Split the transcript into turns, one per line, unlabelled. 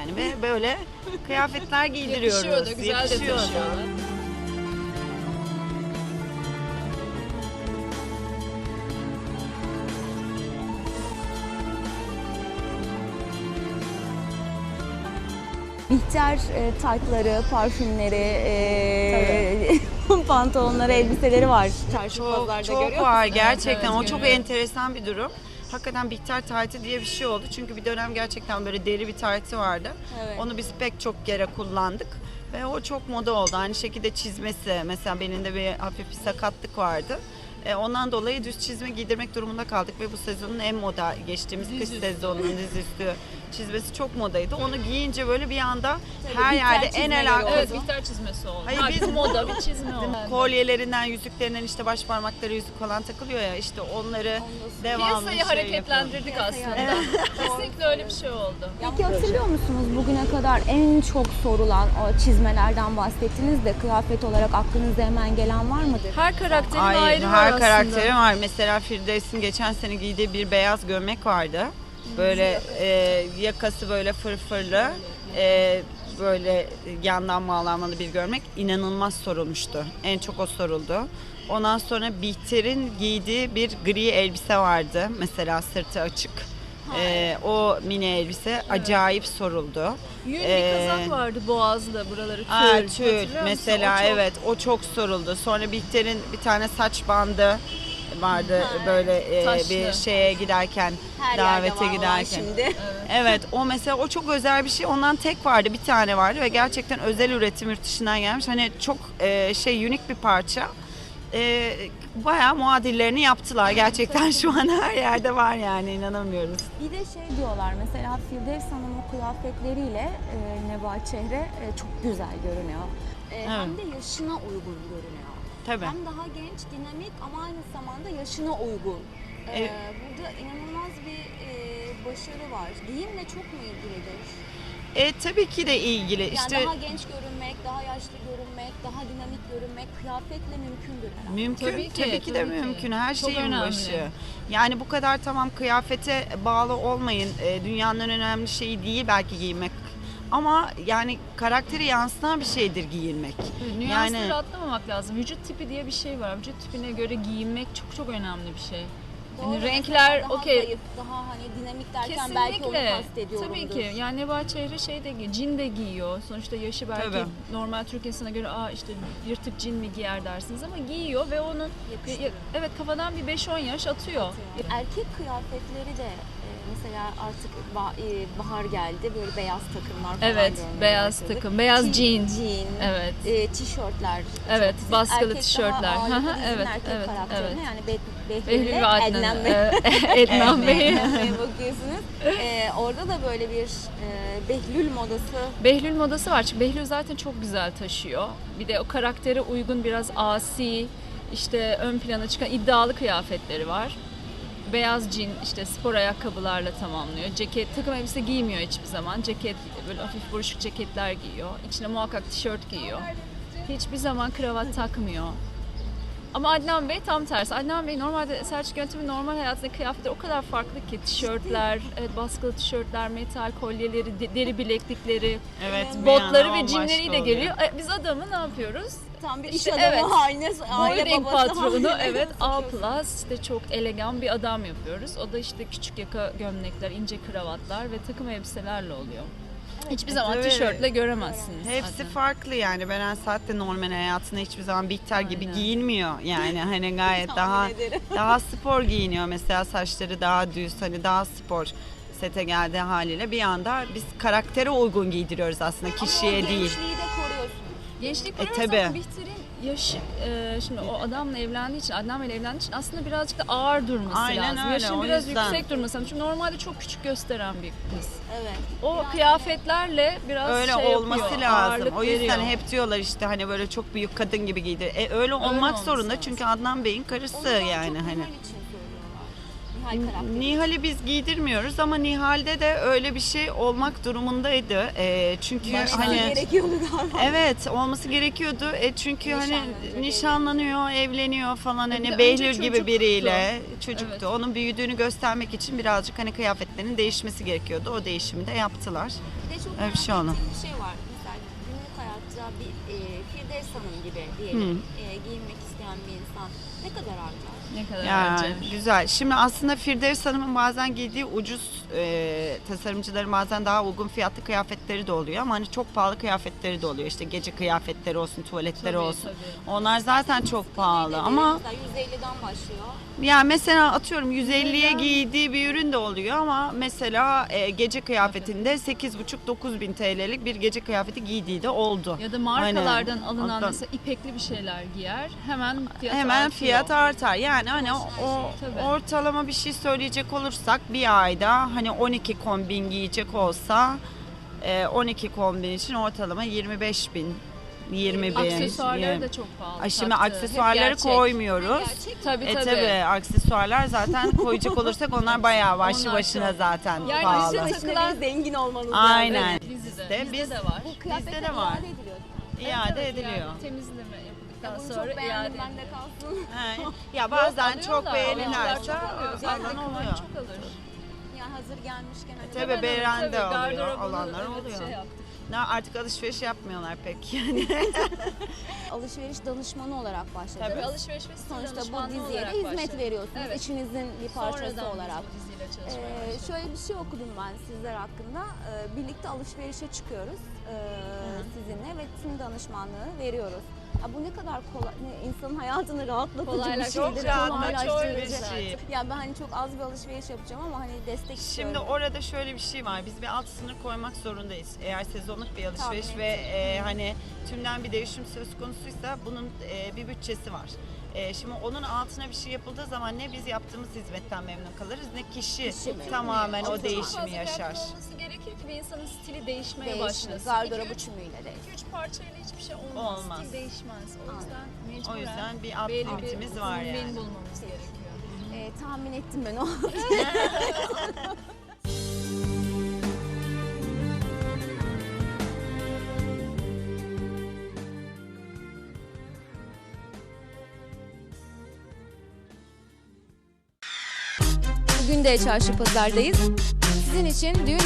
yani ve böyle kıyafetler giydiriyoruz.
Yakışıyor da, güzel de
Yakışıyor da.
taşıyorlar.
Bihter taytları, parfümleri, pantolonları, elbiseleri var. Çarşı pazarda
Çok
görüyor
var
musun?
gerçekten.
Evet,
O çok
görüyorum.
enteresan bir durum. Hakikaten Bihter taytı diye bir şey oldu. Çünkü bir dönem gerçekten böyle deri bir taytı vardı.
Evet.
Onu biz pek çok kere kullandık. Ve o çok moda oldu. Aynı şekilde çizmesi. Mesela benim de bir hafif bir sakatlık vardı. Ondan dolayı düz çizme giydirmek durumunda kaldık ve bu sezonun en moda geçtiğimiz kış sezonunun dizüstü çizmesi çok modaydı. Onu giyince böyle bir anda her
Bihter
yerde en
çizmeleri
alakalı.
Evet, Bihter çizmesi oldu.
Hayır,
Artık
biz-
moda bir çizme oldu.
Kolyelerinden, yüzüklerinden işte baş parmakları yüzük falan takılıyor ya işte onları devamlı
Piyasayı
şey
hareketlendirdik aslında. Kesinlikle öyle bir şey oldu.
Peki hatırlıyor musunuz bugüne kadar en çok sorulan o çizmelerden bahsettiniz de kıyafet olarak aklınıza hemen gelen var mıdır?
Her karakterin
Ay,
ayrı var
her
aslında.
karakteri var. Mesela Firdevs'in geçen sene giydiği bir beyaz gömlek vardı. Böyle yakası böyle fırfırlı, böyle yandan bağlanmalı bir gömlek. İnanılmaz sorulmuştu. En çok o soruldu. Ondan sonra Bihter'in giydiği bir gri elbise vardı. Mesela sırtı açık. O mini elbise acayip soruldu.
Yün bir kazak vardı boğazda, buraları tül.
Tül
Hatırlıyor musun?
mesela
O çok-
evet o çok soruldu. Sonra Bihter'in bir tane saç bandı vardı böyle
Taşlı.
bir şeye giderken
Her
davete
yerde var olan
giderken.
şimdi.
Evet o mesela o çok özel bir şey. Ondan tek vardı bir tane vardı ve gerçekten özel üretim yurt dışından gelmiş. Hani çok unik bir parça. Bayağı muadillerini yaptılar. Gerçekten şu an her yerde var yani inanamıyoruz.
Bir de şey diyorlar mesela Firdevs Hanım o kıyafetleriyle Nebahat Çehre çok güzel görünüyor. Hem de yaşına uygun görünüyor.
Tabii.
Hem daha genç, dinamik ama aynı zamanda yaşına uygun. Burada inanılmaz bir başarı var. Giyimle çok mu ilgilidir?
Tabii ki de ilgili.
Yani
İşte
daha genç görünmek, daha yaşlı görünmek, daha dinamik görünmek kıyafetle mümkündür herhalde.
mümkün.
Tabii ki,
de
tabii ki.
mümkün. Her
Çok
şeyin
önemli.
başı. Yani bu kadar tamam kıyafete bağlı olmayın. Dünyanın en önemli şeyi değil belki giymek. Ama yani karakteri yansıtan bir şeydir giyinmek.
Nüansları
Yani
atlamamak lazım. Vücut tipi diye bir şey var. Vücut tipine göre giyinmek çok çok önemli bir şey. Yani
Doğru,
renkler
mesela daha
okey.
zayıf, daha hani dinamik derken belki onu
Kesinlikle.
kastediyorumdur.
Tabii ki. Yani Nebahat Çehre cin de giyiyor. Sonuçta yaşı belki
Tabii.
normal Türk insanına göre işte yırtık cin mi giyer dersiniz ama giyiyor ve onun evet kafadan bir 5-10 yaş atıyor.
Erkek kıyafetleri de mesela artık bahar geldi böyle beyaz takımlar falan
Evet,
görmeye
beyaz
başladık.
takım, beyaz jean.
Jean,
Evet.
tişörtler.
Evet,
Siz
baskılı
erkek
tişörtler.
Daha ağırlıklı dizinin
Evet,
erkek
evet,
karakterine
evet.
yani
Behlül
Behlül'le
ve Adnan.
Ednan Bey.
Ednan Bey.
Ednan Bey'e bakıyorsunuz. Orada da böyle bir Behlül modası.
Behlül modası var. Çünkü Behlül zaten çok güzel taşıyor. Bir de o karaktere uygun biraz asi, işte ön plana çıkan iddialı kıyafetleri var. Beyaz jean, işte spor ayakkabılarla tamamlıyor. Ceket, takım elbise giymiyor hiçbir zaman. Ceket, böyle hafif buruşuk ceketler giyiyor. İçine muhakkak tişört giyiyor. Hiçbir zaman kravat takmıyor. Ama Adnan Bey tam tersi. Adnan Bey normalde Selçuk Yöntem'in normal hayatındaki kıyafetleri o kadar farklı ki. Tişörtler, evet, baskılı tişörtler, metal kolyeleri, deri bileklikleri,
evet bir
botları
yana
ve
bambaşka
cinleriyle
oluyor.
geliyor. Biz adamı ne yapıyoruz?
Tam bir iş
İşte
adamı
evet.
haline, aile
Holding
babası
patronu,
haline
evet, A+,
sokuyorsun.
işte çok elegan bir adam yapıyoruz. O da işte küçük yaka gömlekler, ince kravatlar ve takım elbiselerle oluyor. Hiçbir zaman
tabii.
tişörtle göremezsiniz.
Hepsi
zaten.
farklı yani. Beren Saat de normal hayatında hiçbir zaman Bihter gibi
Aynen.
giyinmiyor. Yani hani gayet
Tahmin
daha
ederim.
daha spor giyiniyor. Mesela saçları daha düz, hani daha spor sete geldiği haliyle bir anda biz karaktere uygun giydiriyoruz aslında kişiye
Ama o
değil.
gençliği de koruyorsunuz.
Gençlik koruyoruz
tabii.
ama Bihter'in yaşı, şimdi o adamla evlendiği için, Adnan Bey'le evlendiği için aslında birazcık da ağır durması
Aynen
lazım.
öyle,
Yaşın
o
biraz
yüzden.
yüksek durması lazım. Çünkü normalde çok küçük gösteren bir kız.
Evet.
O kıyafetlerle biraz
Öyle
şey
olması
yapıyor,
lazım.
ağırlık
O yüzden
veriyor.
hep diyorlar işte hani böyle çok büyük kadın gibi giydir. Öyle olmak
olması
zorunda
lazım.
çünkü Adnan Bey'in karısı
Onu daha
yani
çok
hani.
Nihal için söylüyorlar. Nihal karakteri.
Nihal'i biz giydirmiyoruz ama Nihal'de de öyle bir şey olmak durumundaydı. Çünkü hani
gerekiyordu galiba.
evet olması gerekiyordu. Çünkü hani
Nişanlanacak,
nişanlanıyor, evleniyor falan
Bir de
hani Behlül
önce
gibi biriyle çocuktu.
Evet.
Onun büyüdüğünü göstermek için birazcık hani kıyafetlerinin değişmesi gerekiyordu. O değişimi de yaptılar.
Bir de çok
Öyle bir şey oldu.
bir şey var. Mesela günlük hayatta bir Firdevs Hanım gibi diyelim giyinmek isteyen bir insan ne kadar harcar?
Ne kadar
Ya
harcar?
güzel. Şimdi aslında Firdevs Hanım'ın bazen giydiği ucuz tasarımcıların bazen daha uygun fiyatlı kıyafetleri de oluyor ama hani çok pahalı kıyafetleri de oluyor. İşte gece kıyafetleri olsun, tuvaletleri
Tabii,
olsun.
tabii.
Onlar zaten çok pahalı ama
Mesela 150'den başlıyor.
yani mesela atıyorum 150'ye giydiği bir ürün de oluyor ama mesela gece kıyafetinde 8,5-9 bin TL'lik bir gece kıyafeti giydiği de oldu.
Ya da markalardan
Aynen.
alınan
Hatta-
mesela ipekli bir şeyler giyer. Hemen fiyat
Hemen
artıyor.
fiyat artar. Yani hani o
Tabii.
ortalama bir şey söyleyecek olursak bir ayda hani 12 kombin giyecek olsa 12 kombin için ortalama 25 bin, 20 bin.
Aksesuarları da çok pahalı.
Ay şimdi
taktı. Hep
aksesuarları
gerçek.
koymuyoruz.
Tabii tabii.
Tabii aksesuarlar zaten koyacak olursak onlar bayağı başlı
Onlar
başına
çok.
zaten
Yani
pahalı.
bizim takılan
zengin olmanız
Aynen.
Evet, dizide.
Biz-
Bizde de var.
Bu
Bizde
kıyafetler
de var.
iade ediliyor.
İade
Evet,
ediliyor.
yani temizleme yapıldıktan
Bunu
sonra
çok beğendim,
iade
ben de
ediliyor.
kalsın.
He. Ya bazen çok
Alıyorlar,
beğenirlerse
alıyorlar, çok alıyor.
alan
Zaten
oluyor.
çok alır.
Yani hazır gelmişken hani
Tabii beğenen de
Tabii,
alıyor,
gardırobunu,
alanlar
evet,
oluyor.
şey yaptık.
Artık alışveriş yapmıyorlar pek yani.
alışveriş danışmanı olarak başladınız.
Tabii alışveriş ve stil
Sonuçta bu
danışmanlığı
diziye de
olarak
hizmet
başladık.
veriyorsunuz.
Evet.
İçinizin bir parçası
Sonradan biz
olarak.
bu diziyle çalışmaya başladık.
Şöyle bir şey okudum ben sizler hakkında. Birlikte alışverişe çıkıyoruz sizinle ve tüm danışmanlığı veriyoruz. Ya bu ne kadar kolay, insanın hayatını rahatlatıcı bir
Kolaylaştırıcı.
şeydir.
Çok rahatlatıcı
kolaylaştırıcı.
bir şey.
Ya ben hani çok az bir alışveriş yapacağım ama hani destek istiyorum.
Şimdi orada şöyle bir şey var. Biz bir alt sınır koymak zorundayız. Eğer sezonluk bir alışveriş
Tahmin
ve hani tümden bir değişim söz konusuysa bunun bir bütçesi var. Şimdi onun altına bir şey yapıldığı zaman ne biz yaptığımız hizmetten memnun kalırız ne kişi
memnun.
tamamen
Ama
o
çok
değişimi
fazla
yaşar.
kıyafet olması gerekir ki bir insanın stili değişmeye
Değişmiyor.
başlasın.
Gardırobu çümüyle değil.
2-3 parçayla hiçbir şey olmaz.
Olmaz.
Stil değişmez. O yüzden mecburen
O yüzden bir alt
belli
limitimiz var
kombin
yani.
bulmamız gerekiyor.
Tahmin ettim ben o. Bugün de Çarşı Pazar'dayız. Sizin için düğün